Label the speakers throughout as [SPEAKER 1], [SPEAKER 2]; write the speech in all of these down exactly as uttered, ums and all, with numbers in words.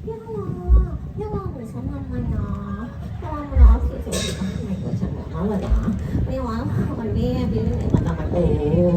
[SPEAKER 1] พี่รอพี่รอเหมือนฉันทำไมนะพี่รอมันรอสวยๆอยู่ข้างในตัวฉันแบบนั้นเลยนะไม่ว่ามันไม่พี่ไม่ไหนมันทำมันโอ้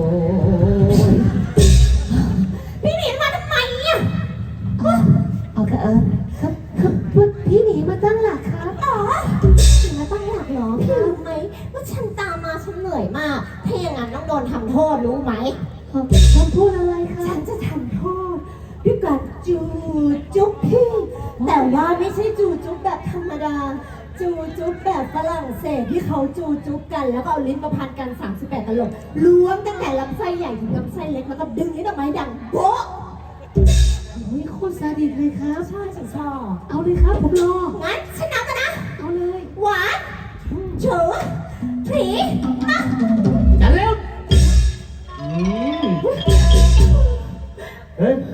[SPEAKER 1] พี่หนีมาทำไมเนี่ยเอาค่ะเออครับครับพี่หนีมาตั้งหลักครับอ๋อหนีมาตั้งหลักเหรอพี่รู้ไหมว่าฉันตามมาฉันเหนื่อยมากถ้าอย่างนั้นต้องโดนทำโทษรู้ไหมทำโทษอะไรคะฉันจะทำโทษด้วยการจูจุ๊บพี่แต่ว่าไม่ใช่จูจุ๊บแบบธรรมดาจูจุ๊บแบบฝรั่งเศสที่เขาจูจุ๊บกันแล้วก็เอาลิ้นมาพันกันสามสิบแปดตลบล้วงตั้งแต่ลำไส้ใหญ่ถึงลำไส้เล็กแล้วก็ดึงนิ้วออกมาให้ดังโบ๊ะโอ้ยโคตรซาดิสเลยครับใช่ฉันชอบเอาเลยครับผมรองั้นฉันนับกันนะเอาเลยหวานเฉอผีมา
[SPEAKER 2] จันเร็วเฮ้ย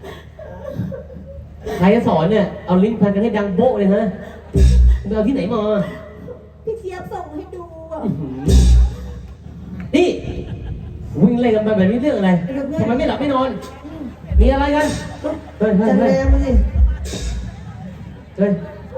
[SPEAKER 2] ใครจะสอนเนี่ยเอาลิ้นพันกันให้ดังโบ๊ะเลยฮะไปเอาที่ไหนมา
[SPEAKER 1] พี่เจี๊ยบส่งให้ดูอ่ะ
[SPEAKER 2] นี่วิ่งเล่นกันไปแบบนี้เรื่องอะไรทำไมไม่หลับไม่นอนมีอะไรกันเฮ้ยเฮ้ย
[SPEAKER 3] จันแรงมาสิ
[SPEAKER 2] เฮ้ย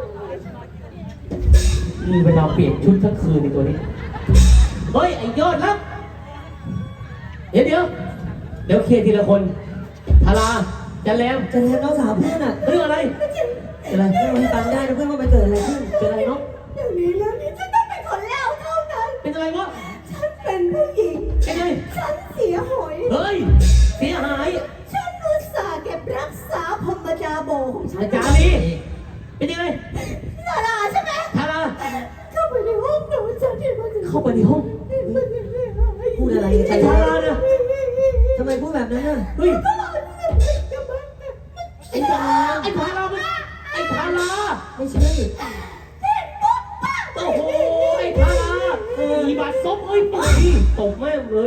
[SPEAKER 2] มีเวลาเปลี่ยนชุดทั้งคืนในตัวนี้เฮ้ยไอ้ยอดรับเดี๋ยวเดี๋ยวเดี๋ยวเคลียร์ทีละคนทาราจันแรม
[SPEAKER 3] จันแรงน้องสาวเพื่อนอ่ะ
[SPEAKER 2] เรื่องอะไรอะไร
[SPEAKER 3] เพื่อนมันฟังได้นะเพื่อนว่ามันเกิดอะไรขึ้น
[SPEAKER 2] เป็นอะไรเนาะ
[SPEAKER 1] เดี๋ยวนี้แล้วนี้ฉันต้องเป็นคนเล่าเท่านั้น
[SPEAKER 2] เป็นอะไรวะ
[SPEAKER 1] ฉันเป็นผู้หญิง
[SPEAKER 2] เป็นไง
[SPEAKER 1] ฉันเสียหอย
[SPEAKER 2] เฮ้ยเสียหาย
[SPEAKER 1] ฉันอุตส่าห์เก็บรักษาพรหมจาโบของฉัน
[SPEAKER 2] อาจารย์นี่เป็นยังไง
[SPEAKER 1] ทาราใช่ไหม
[SPEAKER 2] ทารา
[SPEAKER 1] เข้าไปในห้องหนูฉันเห็นว่า
[SPEAKER 2] เข้าไปในห้อง
[SPEAKER 3] พูดอะไร
[SPEAKER 2] ไอ้ทาราเนี่ย
[SPEAKER 3] ทำไมพูดแบบนั้นอ่ะ
[SPEAKER 2] เฮ้ยไอ้ทาราไอ้ทาราไอ้ทารา
[SPEAKER 3] ไม่ใช่
[SPEAKER 2] โอ้โหไอ้ทาราอีบาดซบเอ้ยปากตบแม่เลย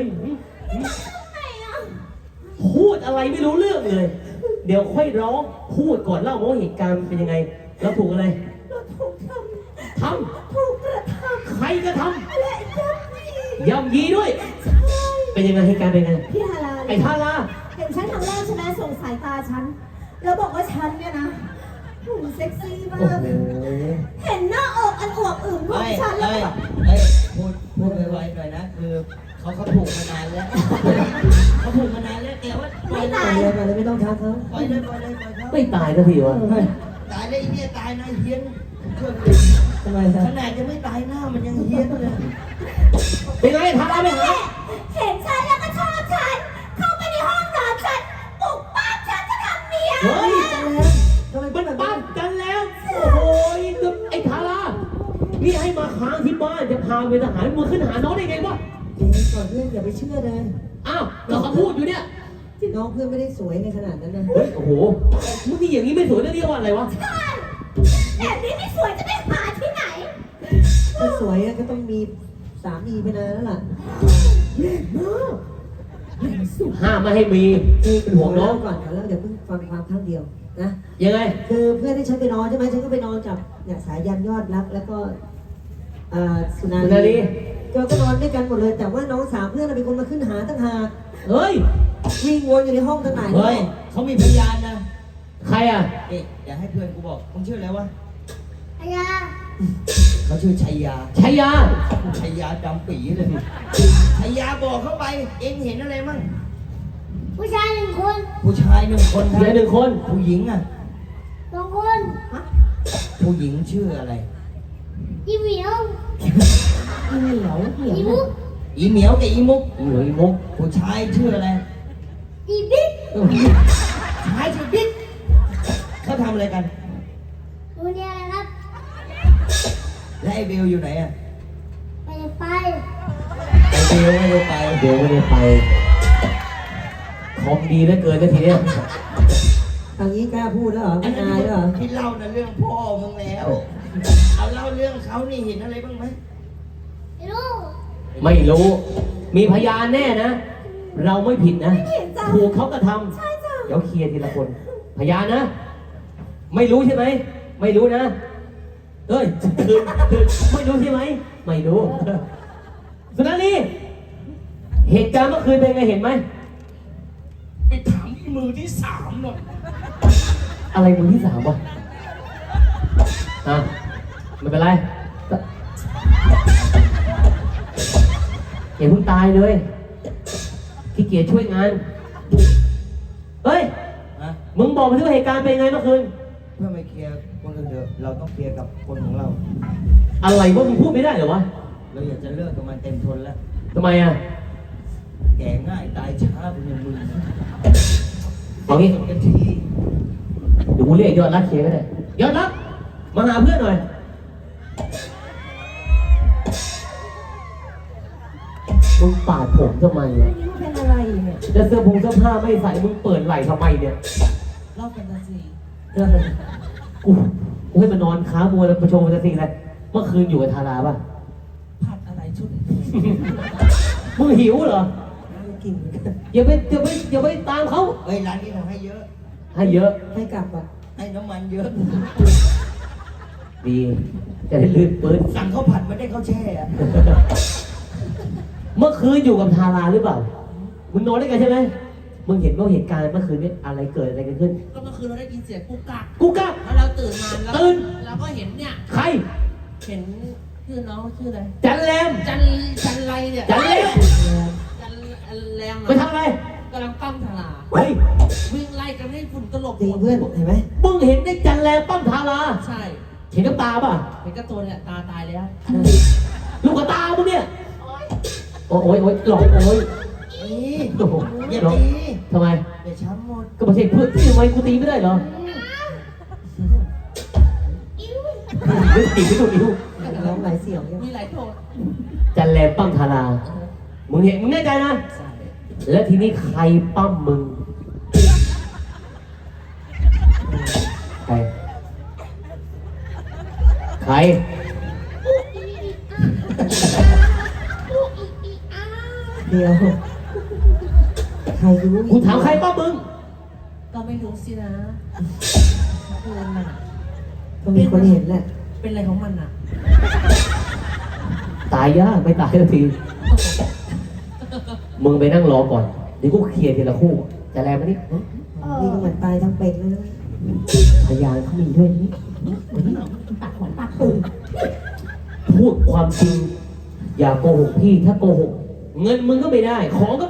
[SPEAKER 2] พูดอะไรไม่รู้เรื่องเลยเดี๋ยวค่อยร้องพูดก่อนเล่าว่าเหตุการณ์เป็นยังไงเราถูกอะไร
[SPEAKER 1] เราถูกท
[SPEAKER 2] ำท
[SPEAKER 1] ำถูกกระทำ
[SPEAKER 2] ใครกระท
[SPEAKER 1] ำและ
[SPEAKER 2] ย่ำยีด้วยเป็นยังไงเหตุการณ์เป็นยังไง
[SPEAKER 1] พี่ทารา
[SPEAKER 2] ไอ้ทารา
[SPEAKER 1] เห็นฉันครั้งแรกใช่ไหมส่งสายตาฉันแล้วบอกว่าฉันเนี่ยนะหุ่นเซ็กซี่มากเห็นหน้าอกอันอวบอื่นของฉันแล้วแบบ
[SPEAKER 4] เฮ้ยพูดพูดไวๆหน่อยนะคือเขาเขาถูกมานานแล้วเขาถูกมานานแล้วแต่ว่า
[SPEAKER 1] ไม่ตาย
[SPEAKER 3] ไปเลยไม่ต้องทักเขา
[SPEAKER 4] ปล่อยเลยปล่อยเลยปล่อยเขา
[SPEAKER 2] ไม่ตายสักทีวะ
[SPEAKER 4] ตายเลยไอ้เนี่ยตายนะเฮี้ยนเชื่อ
[SPEAKER 3] ทำไมครับ
[SPEAKER 4] ขนาดยังไม่ตายหน้ามันยังเฮี้ยนเลย
[SPEAKER 2] เป็นไงทาราเป็นไง
[SPEAKER 1] เห็นฉันแล้วก็ชอบฉันเข้าไปในห้องนอนฉันปลุกป้าฉันจะทำเมีย
[SPEAKER 2] เฮ้ย
[SPEAKER 3] จันแรงทำไมพู
[SPEAKER 2] มั
[SPEAKER 3] ด
[SPEAKER 2] น
[SPEAKER 3] แบบนั้
[SPEAKER 2] ปั้
[SPEAKER 3] น
[SPEAKER 2] มกันแล้วโอ้โหไอ้ทารานี่ให้มาค้างที่บ้านจะพาเป็นทหารมือขึ้นหาน้องได้ไงวะ
[SPEAKER 3] เจ๊ก่อนเพื่อนอย่าไปเชื่อเลย
[SPEAKER 2] อ้าวเราเขาพูดอยู่เนี่ย
[SPEAKER 3] น้องเพื่อนไม่ได้สวยในขนาดนั้นนะ
[SPEAKER 2] เฮ้ยโอ้โหมึงนี่อย่างนี้ไม่สวยแล้วเรียกว่าอะไรวะ
[SPEAKER 1] ใช่แบบนี้ไม่สวยจะไปหาที่ไหน
[SPEAKER 3] ถ้าสวยก็ต้องมีสามีไปนานแล้วล่ะ
[SPEAKER 1] แรงมากแรงสุด
[SPEAKER 2] ห้ามไม่ให้มีเป็นห่วงน้อง
[SPEAKER 3] ก่อนแล้วเดี๋ยวเพิ่งฟังความครั้งเดียวนะ
[SPEAKER 2] ยังไง
[SPEAKER 3] คือเพื่อนที่ฉันไปนอนใช่ไหมฉันก็ไปนอนกับเนี่ยสายันยอดรักแล้วก็สุนารีเราก็นอนด้วยกันหมดเลยแต่ว่าน้องสาวเพื่อนเป็นคนมาขึ้นหาตั้งหาก
[SPEAKER 2] เฮ้ย
[SPEAKER 3] วิ่งวนอยู่ในห้องตั้งไหน
[SPEAKER 4] เฮ้ยเขามีพยานนะ
[SPEAKER 2] ใครอ่ะ
[SPEAKER 4] เอ๊ะเดี๋ยวให้เพื่อนกูบอกมึงชื่ออะไรวะ
[SPEAKER 1] อายา
[SPEAKER 4] เขาชื่อชัยยา
[SPEAKER 2] ชัยยา
[SPEAKER 4] ชัยยาดำปีเลยชัยยาบอกเข้าไปเอ็งเห็นอะไรมั่ง
[SPEAKER 1] ผู้ชายหนึ่งคน
[SPEAKER 4] ผู้ชายหนึ่งคน
[SPEAKER 2] ผู้ชายหนึ่งคน
[SPEAKER 4] ผู้หญิงอ่ะ
[SPEAKER 1] สองคน
[SPEAKER 4] ผู้หญิงชื่ออะไร
[SPEAKER 1] อีเหมียว
[SPEAKER 3] อีเหมียวเหมียว
[SPEAKER 1] อีมุก
[SPEAKER 4] อีเหมียวกับอีมุก
[SPEAKER 2] อีเหมียวอีมุก
[SPEAKER 4] ผู้ชายชื่ออะไร
[SPEAKER 1] อีบิ๊ก
[SPEAKER 4] ชายชื่อบิ๊กเขาทำอะไรกัน
[SPEAKER 1] ดูเนี่ยอะไรครับ
[SPEAKER 4] และไอเบลอยู่ไหนอ่ะ
[SPEAKER 1] ไปไป
[SPEAKER 4] ไอเบลไม่ได้ไป
[SPEAKER 2] เบลไม่ได้ไปของดีเหลือเกินนะทีเนี้ย
[SPEAKER 3] ทางนี้กล้าพูดแล้วเหรอไม่อายแล้วเหรอ
[SPEAKER 4] ที่เล่านะเรื่องพ่อมึงแล้วเอาเล่าเรื่องเขานี่เห็นอะไรบ้างไหม
[SPEAKER 1] ไม่รู้
[SPEAKER 2] ไม่รู้มีพยานแน่นะเราไม่ผิดนะถูกเขากระทำเดี๋ยวเคลียร์ทีละคนพยานนะไม่รู้ใช่ไหมไม่รู้นะเอ้ยคือคือไม่รู้ใช่ไหมไม่รู้สุนารีเหตุการณ์เมื่อคืนเป็นไงเห็นไหม
[SPEAKER 4] ไปถามที่มือที่สามหน่อย
[SPEAKER 2] อะไรมือที่สามวะอ่ะไม่เป็นไรอย่าเพิ่งตายเลยขี้เกียจช่วยงานเฮ้ย
[SPEAKER 4] นะ
[SPEAKER 2] มึงบอกมาที่ว่าเหตุการณ์เป็นไงเมื่อคืน
[SPEAKER 4] เพื่อไม่เคลียร์คนอื่นเถอะเราต้องเคลียร์กับคนของเรา
[SPEAKER 2] อะไรวะมึงพูดไม่ได้เหรอวะ
[SPEAKER 4] เราอยากจะเลิกกับมันเต็มทนแล้ว
[SPEAKER 2] ทำไมอ่ะ
[SPEAKER 4] แก่ง่ายตายช้าเป็นอย่างมึง
[SPEAKER 2] เอางี้
[SPEAKER 4] จบกันที
[SPEAKER 2] เดี๋ยวกูเรียกยอดรักเคลียร์ก็ได้ยอดรักมาหาเพื่อนหน่อยมึงปาดผมทำไมอ่ะ
[SPEAKER 1] นี่มันเป็นอะไรเนี่ย
[SPEAKER 2] จะเสื้อผงเสื้อผ้าไม่ใส่มึงเปิดไหล่ทำไมเนี่ย
[SPEAKER 4] เล่ากันนะสิ
[SPEAKER 2] เรื่องอะไรกูกูให้มันนอนค้ามัวแล้วประชมมันจะสิ่งอะไรเมื่อคืนอยู่กับทาราป่ะ
[SPEAKER 4] ผัดอะไรชุด
[SPEAKER 2] มึงหิวเหรอ
[SPEAKER 3] กินเหมือนกัน
[SPEAKER 2] อย่าไปอย่าไปอย่าไปตามเขา
[SPEAKER 4] เฮ้ยร้านนี้เราให้เยอะ
[SPEAKER 2] ให้เยอะ
[SPEAKER 3] ให้กลับอ่ะ
[SPEAKER 4] ให้น้ำมันเยอะ
[SPEAKER 2] ดีจะได้ลื่นปืน
[SPEAKER 4] สั่งข้าวผัดไม่ได้ข้าวแช่อะ
[SPEAKER 2] เมื่อคืนอยู่กับทาราหรือเปล่ามึงนอนด้วยกันใช่ไหมมึงเห็นว่าเหตุการณ์เมื่อคืนนี้อะไรเกิดอะไรกันขึ้น
[SPEAKER 5] ก็เมื่อคืนเราได้ยินเสียงกุกกัก
[SPEAKER 2] กูกล้า
[SPEAKER 5] แล้วเราตื่นมาแล้ว
[SPEAKER 2] ตื่น
[SPEAKER 5] เราก็เห็นเนี่ย
[SPEAKER 2] ใคร
[SPEAKER 5] เห็นชื่อน้องชื่ออะไร
[SPEAKER 2] จันแรม
[SPEAKER 5] จันจันไรเนี่ย
[SPEAKER 2] จันแรม
[SPEAKER 5] จันแรม
[SPEAKER 2] ไปทำอะไร
[SPEAKER 5] กำลังปั้มทารา
[SPEAKER 2] เฮ้ย
[SPEAKER 5] วิ่งไล่กันให้ฝุ่นตลบ
[SPEAKER 3] จริงเพื่อนเห็นไหม
[SPEAKER 2] มึงเห็นได้จันแรมปั้มทารา
[SPEAKER 5] ใช่
[SPEAKER 2] เห็นน้ำตาป่ะ
[SPEAKER 5] เป็นกระตัวเนี่ยตาตายแล้ว
[SPEAKER 2] ลูกกระตามึงเนี่ยโอ้ยโอ้ยโอ้ยหลอกโอ้ย
[SPEAKER 4] นี่
[SPEAKER 2] โอ้โห
[SPEAKER 4] อย่า
[SPEAKER 2] หลอก
[SPEAKER 4] ตี
[SPEAKER 2] ทำไม
[SPEAKER 4] เดี๋ยวช้ำหมด
[SPEAKER 2] ก็ไม่ใช่เพื่อนที่ทำไมกูตีไม่ได้เหรอไม่ตีไม่ถูกนิ้ว
[SPEAKER 3] ร้องหลายเสียงยัง
[SPEAKER 5] มีหลายโทษ
[SPEAKER 2] จันแรมปั้มทารามึงเห็นมึงแน่ใจนะ
[SPEAKER 5] ใช่
[SPEAKER 2] แล้วทีนี้ใครปั้มมึงใครใคร
[SPEAKER 3] เดียวใครรู้
[SPEAKER 2] กูถามใครปั้มมึง
[SPEAKER 5] ก็ไม่รู้สินะเพื่อนน่ะ
[SPEAKER 3] ก็มีคนเห็นแหละ
[SPEAKER 5] เป็นอะไรของมันอ่ะ
[SPEAKER 2] ตายยากไม่ตายสักที มึงไปนั่งรอก่อน เดี๋ยวกูเคลียร์ทีละคู่ จะแรงไหมนี่
[SPEAKER 3] นี่ก็เหมือนตายทั้งเป็นแล้วนะ
[SPEAKER 2] พยานเขามีด้วยนี่
[SPEAKER 1] ตัดหัวตัดตื่น
[SPEAKER 2] พูดความจริง อย่าโกหกพี่ ถ้าโกหก เงินมึงก็ไม่ได้ ของก็